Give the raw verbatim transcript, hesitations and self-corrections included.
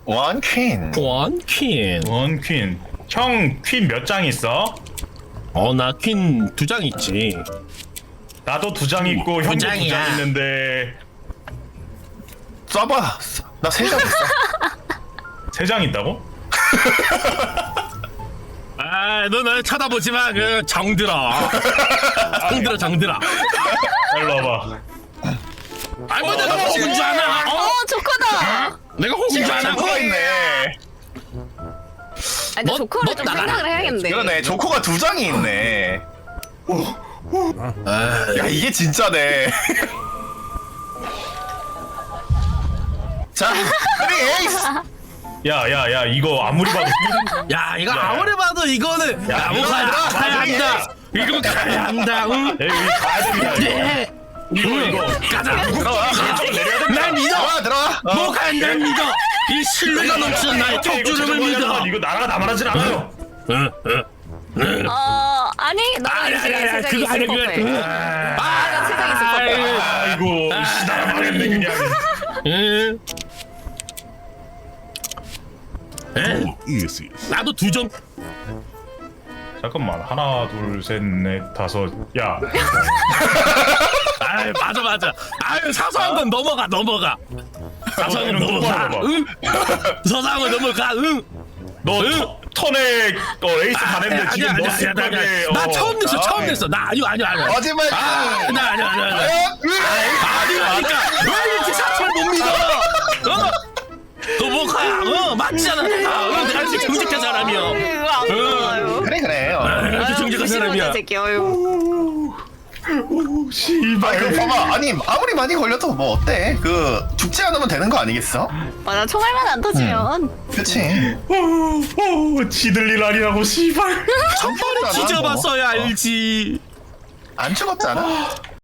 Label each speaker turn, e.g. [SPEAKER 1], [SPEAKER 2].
[SPEAKER 1] 원퀸.
[SPEAKER 2] 원퀸.
[SPEAKER 3] 원퀸. 형 퀸 몇 장 있어?
[SPEAKER 2] 어, 나 퀸 두 장 있지.
[SPEAKER 3] 나도 두 장 있고 형도 두 장
[SPEAKER 2] 장이야.
[SPEAKER 3] 있는데
[SPEAKER 1] 써봐. 나 세 장 있어.
[SPEAKER 3] 세 장 있다고?
[SPEAKER 2] 아, 너 날 쳐다보지 마. 그 정들어. 정들어, 정들어.
[SPEAKER 3] 일로 와봐.
[SPEAKER 2] 아이, 뭐 내가 호구인 줄 아나? 어?
[SPEAKER 4] 어, 조커다.
[SPEAKER 2] 내가 호구인 줄 아나?
[SPEAKER 1] 조커가 있네.
[SPEAKER 4] 아니, 근데
[SPEAKER 2] 너-
[SPEAKER 4] 조커를
[SPEAKER 2] 너
[SPEAKER 4] 좀
[SPEAKER 2] 나가라.
[SPEAKER 4] 생각을 해야겠네.
[SPEAKER 1] 그러네. 조커가 두 장이 있네. 야, 이게 진짜네. 자, 우리 에이스.
[SPEAKER 3] 야야야 이거 아무리 봐도
[SPEAKER 2] 야, 이거
[SPEAKER 3] 야,
[SPEAKER 2] 아무리 봐도 이거는
[SPEAKER 3] 야,
[SPEAKER 2] 야, 뭐
[SPEAKER 3] 이거
[SPEAKER 2] 가야,
[SPEAKER 3] 들어가,
[SPEAKER 2] 가야
[SPEAKER 3] 나중에.
[SPEAKER 2] 한다. 이거 가야 한다. 응?
[SPEAKER 3] 야, 여기 가야 됩니다 이거.
[SPEAKER 2] 예.
[SPEAKER 3] 이거 이거
[SPEAKER 2] 가자.
[SPEAKER 1] 들어와.
[SPEAKER 3] 결정을 내려야 된다.
[SPEAKER 2] 날 믿어.
[SPEAKER 1] 들어와, 들어와. 어.
[SPEAKER 2] 뭐 간다 믿어. 이 신뢰가 넘치는 나의
[SPEAKER 3] 이거
[SPEAKER 2] 턱주름을
[SPEAKER 3] 이거
[SPEAKER 2] 믿어.
[SPEAKER 3] 이거 나라가 나만하진 않아요.
[SPEAKER 2] 응, 응.
[SPEAKER 4] 어, 아니,
[SPEAKER 2] 아니,
[SPEAKER 4] 너는
[SPEAKER 2] 아니, 아니,
[SPEAKER 4] 지금
[SPEAKER 2] 그거 아니, 그거
[SPEAKER 4] 세상이 있을
[SPEAKER 2] 아니.
[SPEAKER 4] 법해. 아, 세상이 있을 법해.
[SPEAKER 3] 아이고 씨 나라 망했네 그냥.
[SPEAKER 2] 응. 에? 나도 두 점.
[SPEAKER 3] 잠깐만 하나 둘 셋 넷 다섯 야
[SPEAKER 2] 아이, 맞아 맞아. 아유, 사소한 건 넘어가 넘어가. 사소한 건
[SPEAKER 3] 이런 거
[SPEAKER 2] 넘어가.
[SPEAKER 3] 넘어가.
[SPEAKER 2] 응. 사소한 건 넘어가. 응.
[SPEAKER 3] 너
[SPEAKER 2] 응.
[SPEAKER 3] 터- 턴에 어, 레이스 다 냈는데
[SPEAKER 2] 아니야,
[SPEAKER 3] 지금
[SPEAKER 2] 아니야,
[SPEAKER 3] 너
[SPEAKER 2] 아니야,
[SPEAKER 3] 생각에
[SPEAKER 2] 아니야. 나
[SPEAKER 3] 어.
[SPEAKER 2] 처음 냈어 처음
[SPEAKER 1] 아이.
[SPEAKER 2] 냈어. 나 아니야 아니야 아니야.
[SPEAKER 1] 거짓말.
[SPEAKER 2] 아, 나 아니야 아니야 아니야. 아니라니까. 왜 이렇게 사람을 못 믿어? 어? 너 뭐가? 어, 맞잖아. 아, 어, 내가 이렇게 정직한 사람이야.
[SPEAKER 4] 이거 안 좋아요.
[SPEAKER 1] 그래, 그래. 어.
[SPEAKER 2] 아, 이렇게
[SPEAKER 4] 아유,
[SPEAKER 2] 정직한 사람이야.
[SPEAKER 4] 무시무시한 새끼, 어휴.
[SPEAKER 1] 아,
[SPEAKER 3] 씨발
[SPEAKER 1] 그 봐봐. 아니, 아무리 많이 걸려도 뭐 어때? 그 죽지 않으면 되는 거 아니겠어?
[SPEAKER 4] 맞아, 총알만 안 터지면.
[SPEAKER 1] 그치.
[SPEAKER 3] 오, 오, 지들 일 아니라고 씨발.
[SPEAKER 2] 한 번에
[SPEAKER 1] 죽었잖아,
[SPEAKER 2] 뒤져봤어야
[SPEAKER 1] 뭐.
[SPEAKER 2] 알지.
[SPEAKER 1] 안 죽었잖아.